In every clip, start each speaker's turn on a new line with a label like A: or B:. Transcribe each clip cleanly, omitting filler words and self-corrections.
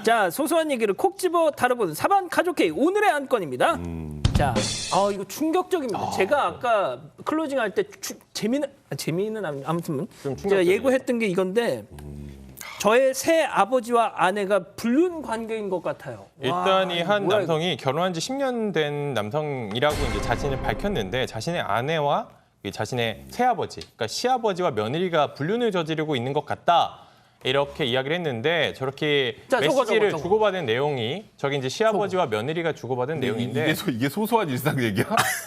A: 자, 소소한 얘기를 콕 집어 다뤄보는 사반 가족 회의 오늘의 안건입니다. 자, 이거 충격적입니다. 제가 아까 클로징 할 때 재미는 아무튼 제가 예고했던 게 이건데 저의 새 아버지와 아내가 불륜 관계인 것 같아요.
B: 일단 이 한
A: 뭐야,
B: 남성이 결혼한 지 10년 된 남성이라고 이제 자신을 밝혔는데 자신의 아내와 자신의 새아버지, 그러니까 시아버지와 며느리가 불륜을 저지르고 있는 것 같다. 이렇게 이야기를 했는데 저렇게
A: 자,
B: 메시지를
A: 저거.
B: 주고받은 내용이 저기 이제 시아버지와 며느리가 주고받은 내용인데
C: 이게 소소한 일상 얘기야?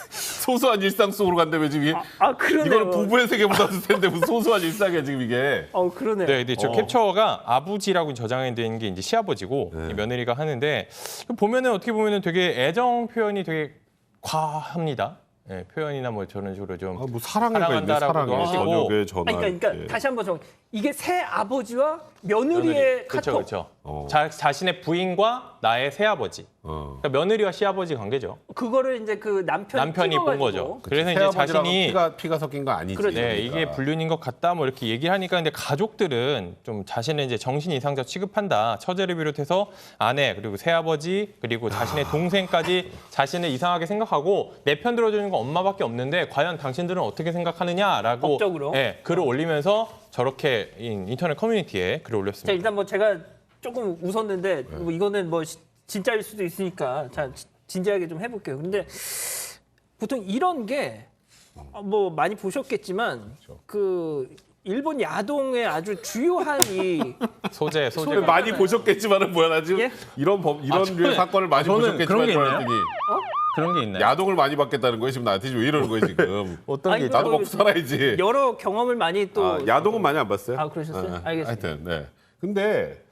C: 소소한 일상 속으로 간다며 지금 이게
A: 그러네요.
C: 이거는 부부의 세계보다 더 텐데 무슨 소소한 일상이야 지금 이게.
A: 그러네.
B: 네, 근데 저 캡처가 아버지라고 저장이 된 게 이제 시아버지고 이 며느리가 하는데 보면은 어떻게 보면은 되게 애정 표현이 되게 과합니다. 네, 표현이나 뭐 저런 식으로 좀
C: 뭐 사랑해가 있네
B: 사랑한다라고도
C: 사랑해.
B: 하시고.
C: 저녁에 전화.
A: 그러니까 다시 한번 이게 새 아버지와 며느리의 카톡.
B: 그렇죠. 자신의 부인과 나의 새아버지. 그러니까 며느리와 시아버지 관계죠.
A: 그거를 이제 그
B: 남편이 본 거죠. 그래서 이제 자신이
C: 피가 섞인 거 아니지.
A: 그렇죠.
B: 네, 이게 불륜인 것 같다 뭐 이렇게 얘기를 하니까 근데 가족들은 좀 자신을 이제 정신 이상자 취급한다. 처제를 비롯해서 아내 그리고 새아버지 그리고 자신의 동생까지 자신을 이상하게 생각하고 내 편 들어주는 건 엄마밖에 없는데 과연 당신들은 어떻게 생각하느냐라고
A: 법적으로?
B: 글을 올리면서 저렇게 인터넷 커뮤니티에 글을
A: 자,
B: 올렸습니다.
A: 일단 뭐 제가 조금 웃었는데 뭐 이거는 뭐 진짜일 수도 있으니까 자 진지하게 좀 해볼게요. 근데 보통 이런 게 뭐 많이 보셨겠지만 그 일본 야동의 아주 주요한 이
B: 소재
C: 많이 보셨겠지만은 뭐야 나 지금
A: 예?
C: 이런 류의 사건을 많이 보셨겠지만
B: 그런 게 있나요?
C: 그랬더니
B: 그런 게 있나요?
C: 야동을 많이 받겠다는 거예요 지금 나한테 지금 왜 이러는 거예요 지금.
B: 어떤 게
A: 아니,
B: 있죠?
C: 나도 먹고 살아야지.
A: 여러 경험을 많이 또
C: 야동은 많이 안 봤어요.
A: 그러셨어요? 알겠습니다.
C: 하여튼 네. 근데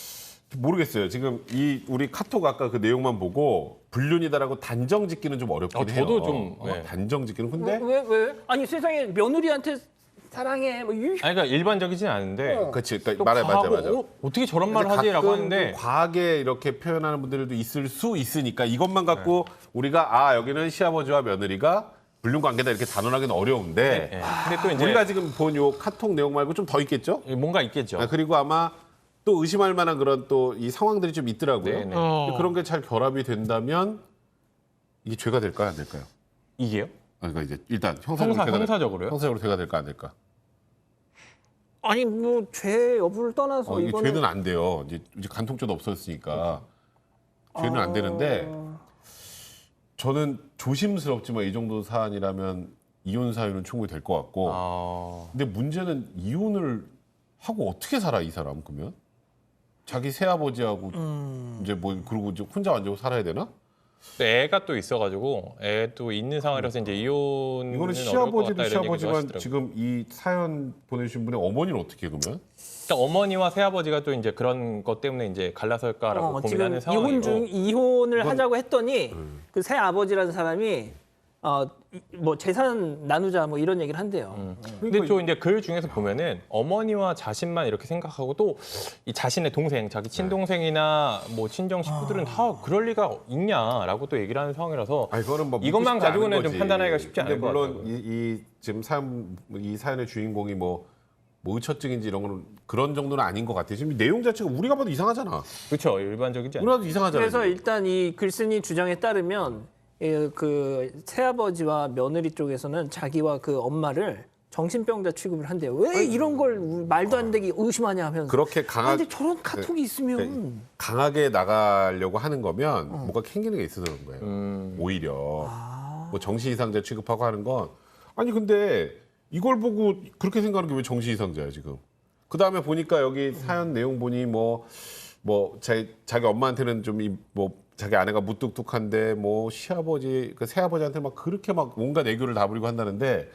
C: 모르겠어요. 지금 우리 카톡 아까 그 내용만 보고 불륜이다라고 단정 짓기는 좀 어렵긴 해요.
B: 저도 좀, 네.
C: 단정 짓기는 근데
A: 왜? 아니 세상에 며느리한테 사랑해 뭐
B: 아니 그러니까 일반적이진 않은데
C: 그렇지.
B: 또
C: 그러니까 맞아.
B: 어떻게 저런 말을 하지라고
C: 가끔
B: 하는데
C: 좀 과하게 이렇게 표현하는 분들도 있을 수 있으니까 이것만 갖고 우리가 여기는 시아버지와 며느리가 불륜 관계다 이렇게 단언하기는 어려운데
B: 근데 또 이제
C: 우리가 지금 본 요 카톡 내용 말고 좀 더 있겠죠?
B: 뭔가 있겠죠.
C: 그리고 아마 또 의심할 만한 그런 또 이 상황들이 좀 있더라고요.
B: 네네.
C: 근데 그런 게 잘 결합이 된다면 이게 죄가 될까요, 안 될까요?
B: 이게요?
C: 그러니까 이제 일단 형사적으로요? 형사적으로 죄가 될까 안 될까?
A: 아니 뭐 죄 여부를 떠나서
C: 이게
A: 이거는
C: 죄는 안 돼요. 이제 간통죄도 없어졌으니까 죄는 안 되는데 저는 조심스럽지만 이 정도 사안이라면 이혼 사유는 충분히 될 것 같고. 근데 문제는 이혼을 하고 어떻게 살아 이 사람 그러면? 자기 새아버지하고 이제 뭐 그러고 이제 혼자 완전 살아야 되나?
B: 애가 또 있어가지고 애도 있는 상황이라서 이제 이혼은
C: 이거는
B: 어려울 것 같다
C: 시아버지도
B: 이런 얘기도
C: 시아버지만
B: 하시더라고요.
C: 지금 이 사연 보내주신 분의 어머니는 어떻게 그러면?
B: 그러니까 어머니와 새아버지가 또 이제 그런 것 때문에 이제 갈라설까라고
A: 지금
B: 고민하는 상황이고.
A: 이혼을 하자고 했더니 그 새 아버지라는 사람이 뭐 재산 나누자 뭐 이런 얘기를 한대요.
B: 근데 또 이제 글 중에서 보면은 어머니와 자신만 이렇게 생각하고 또 이 자신의 동생, 자기 친동생이나 뭐 친정 식구들은 다 그럴 리가 있냐라고 또 얘기를 하는 상황이라서
C: 그거는 뭐
B: 이것만
C: 믿고 싶지
B: 가지고는
C: 않은
B: 좀
C: 거지.
B: 판단하기가 쉽지
C: 근데
B: 않을 것
C: 물론
B: 같아요.
C: 이 지금 이 사연의 주인공이 뭐 의처증인지 이런 거는 그런 정도는 아닌 것 같아요. 지금 내용 자체가 우리가 봐도 이상하잖아.
B: 그렇죠. 일반적이지 않아요.
C: 우리가 봐도 이상하잖아.
A: 그래서 일단 이 글쓴이 주장에 따르면 그 새아버지와 며느리 쪽에서는 자기와 그 엄마를 정신병자 취급을 한대요. 왜 이런 걸 말도 안 되게 의심하냐 하면서.
C: 그렇게
A: 근데 저런 카톡이 있으면
C: 강하게 나가려고 하는 거면 뭔가 캥기는 게 있어서 그런 거예요. 오히려 뭐 정신 이상자 취급하고 하는 건 아니 근데 이걸 보고 그렇게 생각하는 게 왜 정신 이상자야 지금? 그 다음에 보니까 여기 사연 내용 보니 뭐 자기 엄마한테는 좀 뭐 자기 아내가 무뚝뚝한데 뭐 시아버지 그 새아버지한테 막 그렇게 막 온갖 애교를 다 부리고 한다는데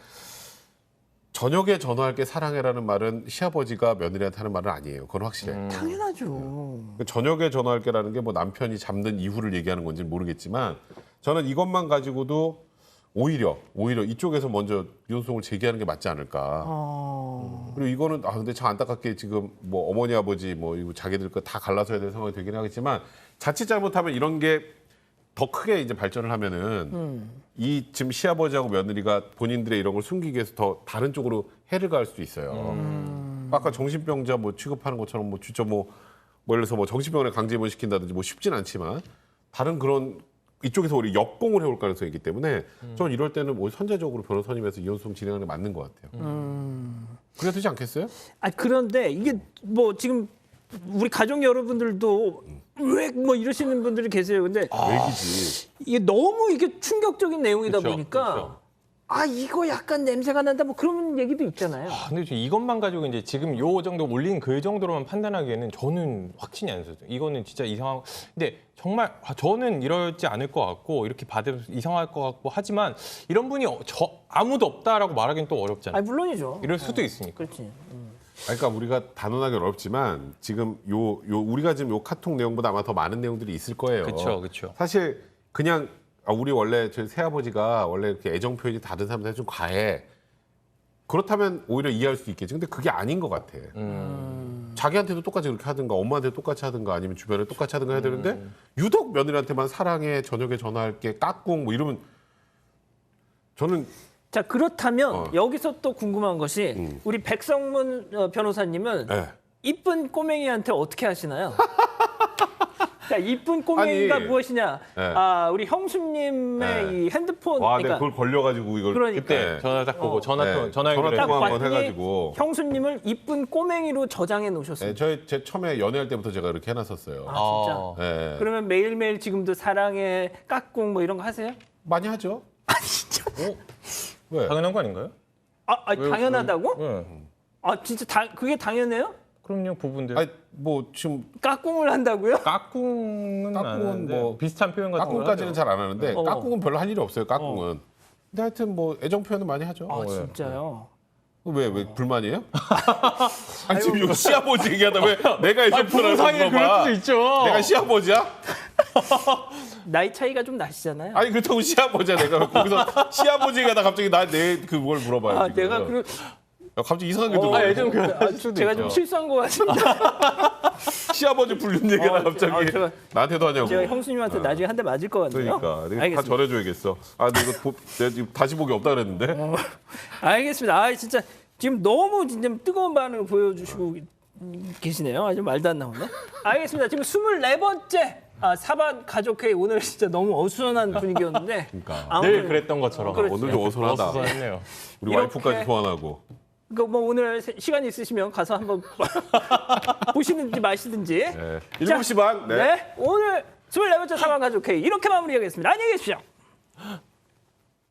C: 저녁에 전화할게 사랑해라는 말은 시아버지가 며느리한테 하는 말은 아니에요. 그건 확실해.
A: 당연하죠.
C: 저녁에 전화할게라는 게 뭐 남편이 잠든 이후를 얘기하는 건지 모르겠지만 저는 이것만 가지고도 오히려 이쪽에서 먼저 이혼소송을 제기하는 게 맞지 않을까. 그리고 이거는 근데 참 안타깝게 지금 뭐 어머니 아버지 뭐 이거 자기들 거 다 갈라서야 될 상황이 되긴 하겠지만 자칫 잘못하면 이런 게 더 크게 이제 발전을 하면은 이 지금 시아버지하고 며느리가 본인들의 이런 걸 숨기기 위해서 더 다른 쪽으로 해를 가할 수도 있어요. 아까 정신병자 뭐 취급하는 것처럼 뭐 진짜 뭐 뭐 예를 들어서 뭐 정신병원에 강제 입원시킨다든지 뭐 쉽진 않지만 다른 그런 이쪽에서 우리 역공을 해올 가능성이 있기 때문에 저는 이럴 때는 뭐 선제적으로 변호사님에서 이혼 소송 진행하는 게 맞는 것 같아요. 그래야 되지 않겠어요?
A: 아 그런데 이게 뭐 지금 우리 가족 여러분들도 왜 뭐 이러시는 분들이 계세요. 근데
C: 외기지.
A: 이게 너무 이게 충격적인 내용이다
B: 그쵸,
A: 보니까
B: 그쵸.
A: 아 이거 약간 냄새가 난다 뭐 그런 얘기도 있잖아요.
B: 근데 저 이것만 가지고 이제 지금 요 정도 올린 그 정도로만 판단하기에는 저는 확신이 안 서요. 이거는 진짜 이상한. 근데 정말 저는 이러지 않을 것 같고 이렇게 받으면 이상할 것 같고 하지만 이런 분이 아무도 없다라고 말하기는 또 어렵잖아요.
A: 아 물론이죠.
B: 이럴 수도 있으니까.
A: 그렇지.
C: 그러니까 우리가 단언하기 어렵지만 지금 요 우리가 지금 요 카톡 내용보다 아마 더 많은 내용들이 있을 거예요.
B: 그렇죠, 그렇죠.
C: 사실 그냥 우리 원래 저희 새아버지가 원래 이렇게 애정 표현이 다른 사람들한테 좀 과해. 그렇다면 오히려 이해할 수 있겠지. 근데 그게 아닌 것 같아. 자기한테도 똑같이 그렇게 하든가 엄마한테 똑같이 하든가 아니면 주변에 똑같이 하든가 해야 되는데 유독 며느리한테만 사랑해 저녁에 전화할게 까꿍 뭐 이러면 저는
A: 자 그렇다면 여기서 또 궁금한 것이 우리 백성문 변호사님은
C: 네.
A: 이쁜 꼬맹이한테 어떻게 하시나요? 자 이쁜 꼬맹이가
C: 아니,
A: 무엇이냐?
C: 네.
A: 아 우리 형수님의
C: 네.
A: 이 핸드폰
C: 와
A: 그러니까
C: 내가 그걸 걸려가지고 이걸
A: 그러니까.
B: 그때
C: 네.
B: 전화 딱 보고 전화
C: 네.
B: 통화
C: 전화
B: 연결해서
C: 통화 한번
A: 봤더니
C: 해가지고
A: 형수님을 이쁜 꼬맹이로 저장해 놓으셨습니다.
C: 네, 제 처음에 연애할 때부터 제가 이렇게 해놨었어요.
A: 아 진짜?
C: 네.
A: 그러면 매일매일 지금도 사랑해 까꿍 뭐 이런 거 하세요?
C: 많이 하죠.
A: 아 진짜?
C: 왜?
B: 당연한 거 아닌가요?
A: 당연하다고?
B: 네.
A: 아 진짜 그게 당연해요?
B: 그럼요, 부분들.
C: 아니 뭐 지금
A: 까꿍을 한다고요?
B: 까꿍은 안
C: 까꿍은
B: 하는데
C: 뭐
B: 비슷한 표현 같은 거
C: 까꿍까지는 잘 안 하는데
A: 어.
C: 까꿍은 별로 할 일이 없어요. 까꿍은. 근데 하여튼 뭐 애정 표현은 많이 하죠.
A: 아 진짜요?
C: 왜 불만이에요? 아니 지금 이거 시아버지 얘기하다 왜 내가 애정 표현을
B: 사이에 그럴 수도 있죠.
C: 내가 시아버지야?
A: 나이 차이가 좀 나시잖아요.
C: 아니 그렇다고 시아버지야 내가 거기서 시아버지 얘기하다 갑자기 내 그걸 물어봐요.
A: 아
C: 지금.
A: 내가 그
C: 야, 갑자기 이상하게 들어.
B: 애정 표현 수도
A: 제가
B: 있죠.
A: 좀 실수한 것 같습니다.
C: 시아버지 불륜 얘기가 갑자기 나한테도 하냐고.
A: 제가 형수님한테 나중에 한 대 맞을 것 같네요.
C: 그러니까 내가 다
A: 알겠습니다.
C: 전해줘야겠어. 아 근데 이거 내가 지금 다시 보기 없다 그랬는데.
A: 알겠습니다. 아 진짜 지금 너무 진짜 뜨거운 반응을 보여주시고 계시네요. 아주 말도 안 나오네. 알겠습니다. 지금 24번째 사반 가족회의 오늘 진짜 너무 어수선한 분위기였는데
C: 그러니까.
B: 늘 그랬던 것처럼.
A: 그렇지.
C: 오늘도 어수선하다.
B: 어수선했네요.
C: 우리
A: 이렇게-
C: 와이프까지 소환하고.
A: 그러니까 뭐 오늘 시간 있으시면 가서 한번 보시든지 마시든지.
C: 네. 7시 반.
A: 네. 오늘 24번째 사반 가족회의 이렇게 마무리하겠습니다. 안녕히 계십시오.